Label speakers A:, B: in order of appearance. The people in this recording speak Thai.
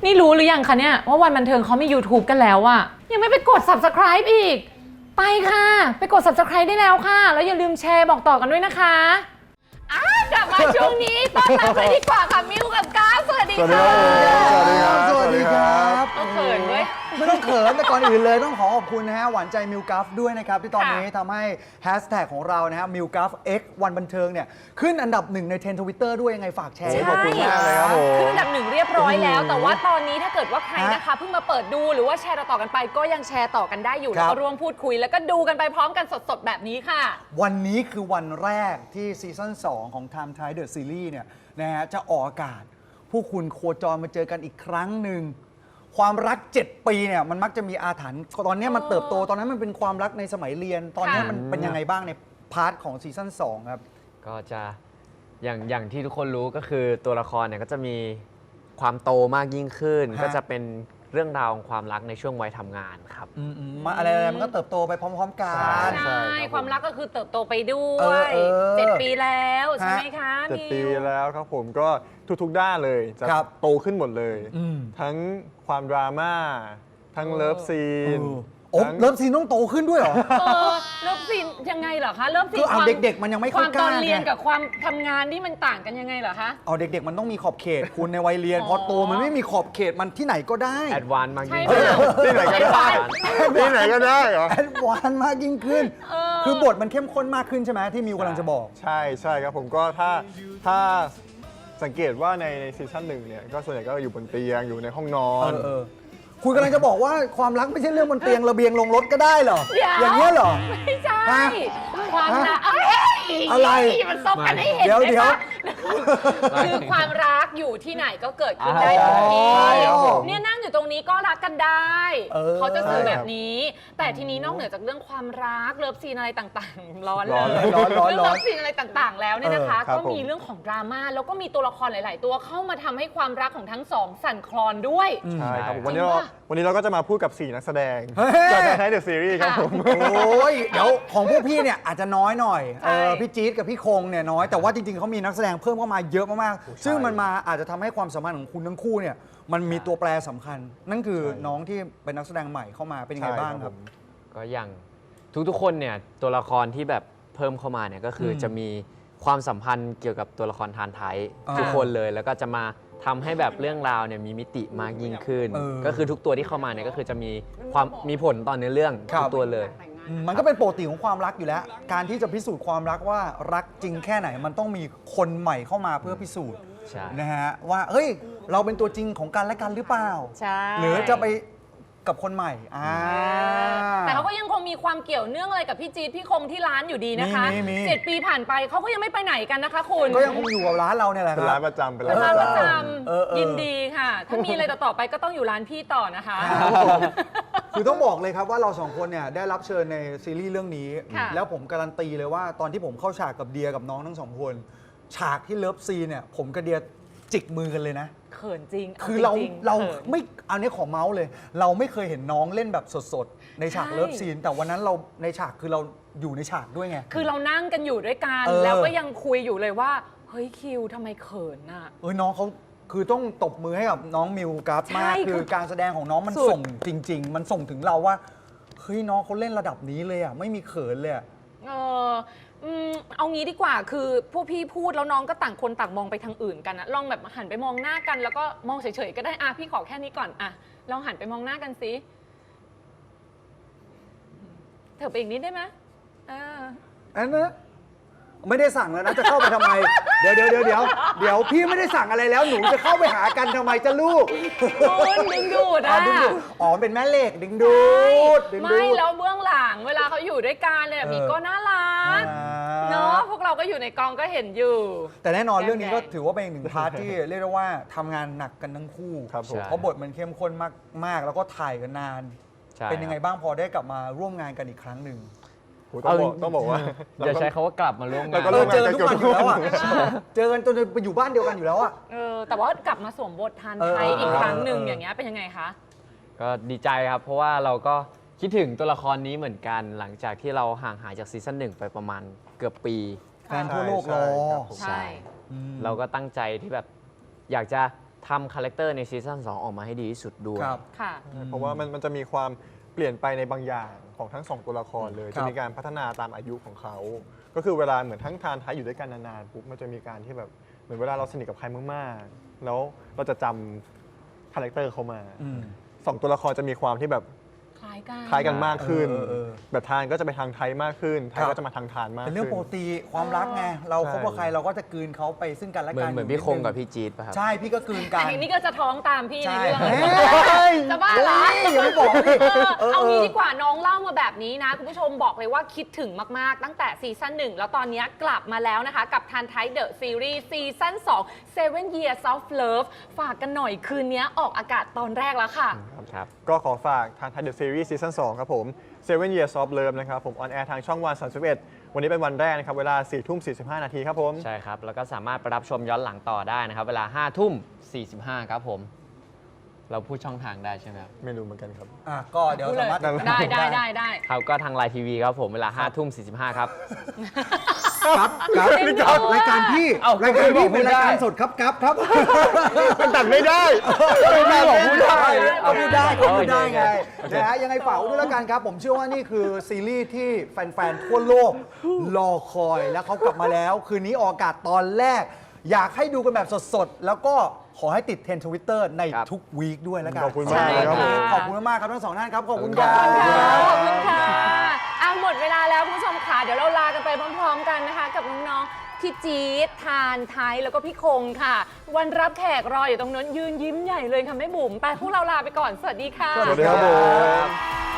A: นี่รู้หรือยังคะเนี่ยว่าวันบันเทิงเขามี YouTube กันแล้วอะยังไม่ไปกด Subscribe อีกไปค่ะไปกด Subscribe ได้แล้วค่ะแล้วอย่าลืมแชร์บอกต่อกันด้วยนะคะกลับมาช่วงนี้ต้อนรับเลยดีกว่าค่ะมิวกับก้าวสวัสดีค่ะ
B: สวัสดีครับสวัสดีครับ
A: ต้องเขินด้วย
B: ไม่ต้องเขินแต่ก่อนอื่นเลยต้องขอขอบคุณนะฮะหวานใจมิวกัฟด้วยนะครับที่ตอนนี้ทำให้แฮชแท็กของเรานะฮะมิวกัฟ X วันบันเทิงเนี่ยขึ้นอันดับ1ในเทรนด์ Twitter ด้วยยังไงฝากแชร์
A: ใช่
B: ขอบคุณมากเลยครับผม
A: ขึ้นอันดับ1เรียบร้อยแล้ว แต่ว่าตอนนี้ถ้าเกิดว่าใครนะคะเพิ่งมาเปิดดูหรือว่าแชร์ต่อๆกันไปก็ยังแชร์ต่อกันได้อยู่แล้วก็ร่วมพูดคุยแล้วก็ดูกันไปพร้อมกันสดๆแบบนี้ค่ะ
B: วันนี้คือวันแรกที่ซีซั่น2ของ Time Thai The Series เนี่ยนะฮะจะออกอากาศผู้คุณโคจรมาเจอกันอีกครั้งหนึ่งความรัก 7 ปีเนี่ยมันมักจะมีอาถรรพ์ตอนนี้มันเติบโตตอนนั้นมันเป็นความรักในสมัยเรียน ตอนนี้มันเป็นยังไงบ้างในพาร์ทของซีซั่น2ครับ
C: ก็จะอย่างที่ทุกคนรู้ก็คือตัวละครเนี่ยก็จะมีความโตมากยิ่งขึ้น ก็จะเป็นเรื่องราวของความรักในช่วงวัยทำงานครับ
B: มาอะไรมันก็เติบโตไปพร้อมๆกัน
A: ใช่ความรักก็คือเติบโตไปด้วย7 ปีแล้วใช่ไหมคะ
D: 7 ปีแล้วครับผมก็ทุกๆด้านเลยจะโตขึ้นหมดเลยทั้งความดราม่าทั้งเลิฟซีน
B: เลิฟซีนต้องโตขึ้นด้วยเหรอ
A: เลิฟซีนยังไงเหรอคะเลิฟซีน
B: คือเอาเด็กๆมันยังไม่
A: ความตอนเรียน
B: ไง
A: กับความทำงานนี่มันต่างกันยังไงเหรอคะ
B: เอาเด็กๆมันต้องมีขอบเขตคุณในวัยเรียนพอโตมันไม่มีขอบเขตมันที่ไหนก็ได้
C: แอดวานซ์มากยิ่ง
A: ใช่
C: ขึ้น
D: ที่ไหนก็ได้ที่ไหนก็ได้เหรอ
B: แอดวานซ์มากยิ่งขึ้นคือบทมันเข้มข้นมากขึ้นใช่ไหมที่มิวกำลังจะบอก
D: ใช่ครับผมก็ถ้าสังเกตว่าในซีซั่นหนึ่งเนี่ยก็ส่วนใหญ่ก็อยู่บนเตียงอยู่ในห้องนอน
B: คุณกำลังจะบอกว่าความรักไม่ใช่เรื่องบนเตียงระเบียงลงรถก็ได้เหรออย่างนี้เหรอ
A: ไม่ใช่ความรัก
B: อะไร
A: มันซบกันให้เห็น
B: เดี๋ยว
A: คือความรักอยู่ที่ไหนก็เกิดขึ้นได้ทุกที่เนี่ยนั่งอยู่ตรงนี้ก็รักกันได้เขาจะสื่อแบบนี้แต่ทีนี้นอกเหนือจากเรื่องความรักเลิฟซีนอะไรต่างๆร้อนเลยเรื่องเลิฟซีนอะไรต่างๆแล้วเนี่ยนะคะก็มีเรื่องของดราม่าแล้วก็มีตัวละครหลายๆตัวเข้ามาทำให้ความรักของทั้งสองสั่นคลอนด้วย
D: ใช่ครับวันนี้เราก็จะมาพูดกับ4นักแสดงจากไทยเดอะซีรีส์ครับผม
B: โอ้ยเดี๋ยวของพวกพี่เนี่ยอาจจะน้อยหน่อยพี่จี๊ดกับพี่คงเนี่ยน้อยแต่ว่าจริงๆเขามีนักแสดงเพิ่มเข้ามาเยอะมากๆซึ่งมันมาอาจจะทำให้ความสัมพันธ์ของคุณทั้งคู่เนี่ยมันมีตัวแปรสำคัญนั่นคือน้องที่เป็นนักแสดงใหม่เข้ามาเป็นยังไงบ้างครับ
C: ก็อย่างทุกๆคนเนี่ยตัวละครที่แบบเพิ่มเข้ามาเนี่ยก็คือจะมีความสัมพันธ์เกี่ยวกับตัวละครทานไทยทุกคนเลยแล้วก็จะมาทำให้แบบเรื่องราวเนี่ยมีมิติมากยิ่งขึ้นก็คือทุกตัวที่เข้ามาเนี่ยก็คือจะมีผลต่อเนื้อเรื่องทุกตัวเลย
B: มันก็เป็นปกติของความรักอยู่แล้วการที่จะพิสูจน์ความรักว่ารักจริงแค่ไหนมันต้องมีคนใหม่เข้ามาเพื่อพิสูจน์นะฮะว่าเฮ้ยเราเป็นตัวจริงของกันและกันหรือเปล่าหรือจะไปกับคนใหม่
A: แต่เขาก็ยังคงมีความเกี่ยวเนื่องอะไรกับพี่จี๊ดพี่คงที่ร้านอยู่ดีนะคะ7 ปีผ่านไปเขาก็ยังไม่ไปไหนกันนะคะคุณ
B: ก็ยังคงอยู่กับร้านเราเนี่ยแหละ
D: เป็นร้านประจำ
A: เป็นร้านประจำยินดีค่ะถ้ามีอะไรต่อไปก็ต้องอยู่ร้านพี่ต่อนะคะ
B: คือต้องบอกเลยครับว่าเรา2คนเนี่ยได้รับเชิญในซีรีส์เรื่องนี้แล้วผมการันตีเลยว่าตอนที่ผมเข้าฉากกับเดียกับน้องทั้ง2คนฉากที่เลิฟซีเนี่ยผมกับเดียจิกมือกันเลยนะ
A: เขินจริง
B: คือเราไม่เอาเนี้ยขอเมาส์เลยเราไม่เคยเห็นน้องเล่นแบบสดๆในฉากเลิฟซีนแต่วันนั้นเราในฉากคือเราอยู่ในฉากด้วยไง
A: คือเรานั่งกันอยู่ด้วยกันแล้วก็ยังคุยอยู่เลยว่าเฮ้ยคิวทำไมเขินน่ะ
B: น้องเขาคือต้องตบมือให้กับน้องมิวกัฟมากคือการแสดงของน้องมันส่งจริงๆมันส่งถึงเราว่าเฮ้ยน้องเขาเล่นระดับนี้เลยอ่ะไม่มีเขินเลย
A: เอางี้ดีกว่าคือพวกพี่พูดแล้วน้องก็ต่างคนต่างมองไปทางอื่นกันนะลองแบบหันไปมองหน้ากันแล้วก็มองเฉยๆก็ได้พี่ขอแค่นี้ก่อนลองหันไปมองหน้ากันสิเถอะไปอีกนิดได้ไหม
B: อันนะไม่ได้สั่งแล้วนะจะเข้าไปทำไมเดี๋ยวพี่ไม่ได้สั่งอะไรแล้วหนูจะเข้าไปหากันทำไมจะลูก
A: ดึงดูด
B: เป็นแม่เหล็กดึงดูด
A: ไม่แล้วเบื้องหลังเวลาเขาอยู่ด้วยกันเนี่ยมีก็น่ารักเนาะพวกเราก็อยู่ในกองก็เห็นอยู่
B: แต่แน่นอนเรื่องนี้ก็ถือว่าเป็นอีกหนึ่งพาร์ทที่เรียกได้ว่าทำงานหนักกันทั้งคู่เพราะบทมันเข้มข้นมากแล้วก็ถ่ายกันนานเป็นยังไงบ้างพอได้กลับมาร่วมงานกันอีกครั้งหนึ่ง
D: ต้องบอกว่า
C: อย่าใช้คำว่ากลับมาร่วมงาน
B: เจอกันทุกวันอยู่แล้วเจอกันจนไปอยู่บ้านเดียวกันอยู่แล้ว
A: แต่ว่ากลับมาสวมบททานไทยอีกครั้งหนึ่งอย่างเงี้ยเป็นยังไงคะ
C: ก็ดีใจครับเพราะว่าเราก็คิดถึงตัวละครนี้เหมือนกันหลังจากที่เราห่างหายจากซีซั่น1ไปประมาณเกือบปี
B: แฟนทั่วโลกรอ
C: ใช่เราก็ตั้งใจที่แบบอยากจะทำคาแรคเตอร์ในซีซั่น2ออกมาให้ดีที่สุดด้วย
B: ครับ
A: ค่ะ
D: เพราะว่ามันจะมีความเปลี่ยนไปในบางอย่างของทั้ง 2 ตัวละครเลย
B: ครับ
D: จะมีการพัฒนาตามอายุของเขา ก็คือเวลาเหมือนทั้งทานท้ายอยู่ด้วยกันนานๆปุ๊บมันจะมีการที่แบบเหมือนเวลาเราสนิทกับใครมากๆแล้วเราจะจำคาแรคเตอร์เขามาสองตัวละครจะมีความที่แบบ
A: คล้ายกัน
D: คล้ายกันมากขึ้น
B: เออ
D: แบบทานก็จะไปทางไทยมากขึ้นไทย
B: ครับ
D: ก็จะมาทางทานมาก
B: เป็น
D: ขึ้น
B: เรื่องปกติความรักไงเราคบกับใครเราก็จะกลืนเขาไปซึ่งกันและ
C: เหมือ
B: กัน
C: นเหมือนพี่คงกับพี่จี๊ดป่ะครับ
B: ใช่พี่ก็กลืนกัน
A: อันนี้ก็จะท้องตามพี่ใน
B: ใช่
A: เรื่อง
B: เฮ้ย
A: จะบ้าเหรอ
B: เฮ้ยอย่าไปบอกดิ
A: เอางี้ดีกว่าน้องเล่ามาแบบนี้นะ คุณผู้ชมบอกเลยว่าคิดถึงมาก ๆ ตั้งแต่ซีซั่น1 แล้วตอนนี้กลับมาแล้วนะคะ กับทันไทเดอะซีรีส์ซีซั่น2 Seven Years of Love ฝากกันหน่อยคืนนี้ออกอากาศตอนแรกแล้วค่ะ
C: ครับ
D: ก็ขอฝากทางไทยเดอะซีรีส์ซีซั่น2ครับผม Seven Years of Love นะครับผมออนแอร์ทางช่องวัน31วันนี้เป็นวันแรกนะครับ เวลา 4:45 นาทีครับผม
C: ใช่ครับ แล้วก็สามารถไปรับชมย้อนหลังต่อได้นะครับ เวลา 5:45 ครับผม เราพูดช่องทางได้ใช่ไหมครับ
D: ไม่รู้เหมือนกันครับ
B: ก็เดี๋ยวสามารถ
A: ได้
C: ครับก็ทางไลน์ทีวีครับผมเวลา 5:45 ครับ
B: ครับรายการพี่
C: เอ้าร
B: ายการพี่
C: ไม่
B: เป็น
C: ได้
B: รายการสดครับครับ
D: มันตัดไม่ได้
B: ไม่บอกพูดได้เอาพูดได้ก็พูดได้ไง
C: โอเค
B: นะฮะยังไงฝากไว้ด้วยแล้วกันครับ ผมเชื่อว่านี่คือซีรีส์ที่แฟนๆทั่วโลกรอคอยแล้วเขากลับมาแล้ว คืนนี้ออกอากาศตอนแรก อยากให้ดูกันแบบสดๆ แล้วก็ขอให้ติดเทรนด์ทวิตเตอร์ในทุกวีคด้วยแล้วกัน
D: ขอบคุณมากเลยครับ
A: ใช่ค่ะ
B: ขอบคุณมากๆครับทั้งสองท่านครับขอบคุณค
A: ข
B: รั
A: อ
B: บบ
A: คุณค่ะขอบคุณค่ะหมดเวลาแล้วคุณผู้ชมค่ะ เดี๋ยวเราลากันไปพร้อมๆกันนะคะ กับน้องๆพี่จี๊ดทานไทยแล้วก็พี่คงค่ะ วันรับแขกรออยู่ตรงนั้นยืนยิ้มใหญ่เลยค่ะแม่บุ๋มไปพวกเราลาไปก่อนสวัสดีค่ะ
D: สวัสดีครับผม